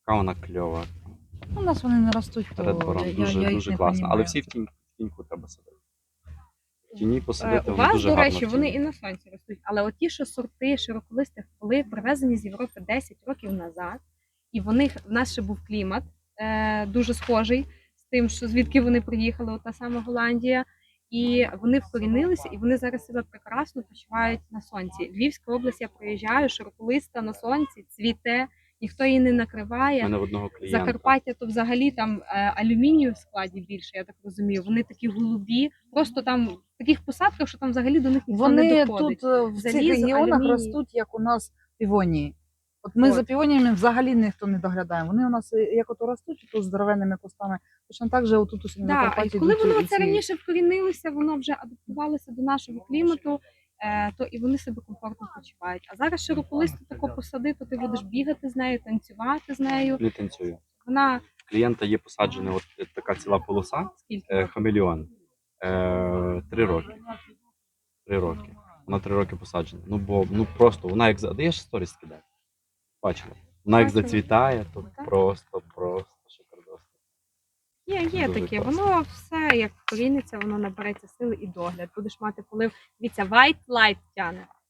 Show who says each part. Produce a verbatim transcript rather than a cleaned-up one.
Speaker 1: Яка вона кльова.
Speaker 2: У нас вони не ростуть, то
Speaker 1: Red Baron.
Speaker 2: я,
Speaker 1: Дуже,
Speaker 2: я їх
Speaker 1: дуже
Speaker 2: не
Speaker 1: класно. Але
Speaker 2: понімаю.
Speaker 1: всі в тінь, в тіньку треба садити. В тіні
Speaker 3: Е,
Speaker 1: посадити,
Speaker 3: У
Speaker 1: вони
Speaker 3: вас,
Speaker 1: дуже
Speaker 3: до
Speaker 1: гарно
Speaker 3: речі,
Speaker 1: в
Speaker 3: вони
Speaker 1: тіні.
Speaker 3: і на сонці ростуть, але от ті, що сорти широколистих, були привезені з Європи десять років назад, і в них в нас ще був клімат е, дуже схожий з тим, що звідки вони приїхали, от та сама Голландія, і вони вкорінилися, і вони зараз себе прекрасно почувають на сонці. Львівська область, я приїжджаю, широколиста на сонці, цвіте, ніхто її не
Speaker 1: У
Speaker 3: накриває.
Speaker 1: мене в одного клієнта.
Speaker 3: Закарпаття, то взагалі там е, алюмінію в складі більше, я так розумію. Вони такі голубі, просто там в таких посадках, що там взагалі до них ніхто не
Speaker 2: Вони
Speaker 3: доходить.
Speaker 2: тут е, в цих
Speaker 3: Залізо,
Speaker 2: регіонах
Speaker 3: алюміній.
Speaker 2: ростуть, як у нас півонії. От ми
Speaker 3: От.
Speaker 2: за півоніями взагалі ніхто не доглядає. Вони у нас е, як ото ростуть, то здоровенними кустами. Точно так же отут у на
Speaker 3: Да,
Speaker 2: Карпаті
Speaker 3: і коли
Speaker 2: йдуть
Speaker 3: воно
Speaker 2: і
Speaker 3: це
Speaker 2: ці-
Speaker 3: раніше вкорінилося, воно вже адаптувалося до нашого клімату, е, то і вони себе комфортно почувають. А зараз широколисту тако посади, то ти будеш бігати з нею, танцювати з нею.
Speaker 1: Не танцюю.
Speaker 3: Вона
Speaker 1: В клієнта є посаджена от така ціла полоса,
Speaker 3: скільки?
Speaker 1: е, хамелеон. Е, три роки. Три роки. Вона три роки посаджена. Ну бо ну просто вона як за. Даєш сторіс скидати. Бачила. Вона як
Speaker 3: Бачила.
Speaker 1: зацвітає, то
Speaker 3: Так.
Speaker 1: просто, просто шикардосно.
Speaker 3: Є, є
Speaker 1: Дуже
Speaker 3: таке.
Speaker 1: класно.
Speaker 3: Воно все як коріниться, воно набереться сили і догляд. Будеш мати полив. Дивіться, white light тяне.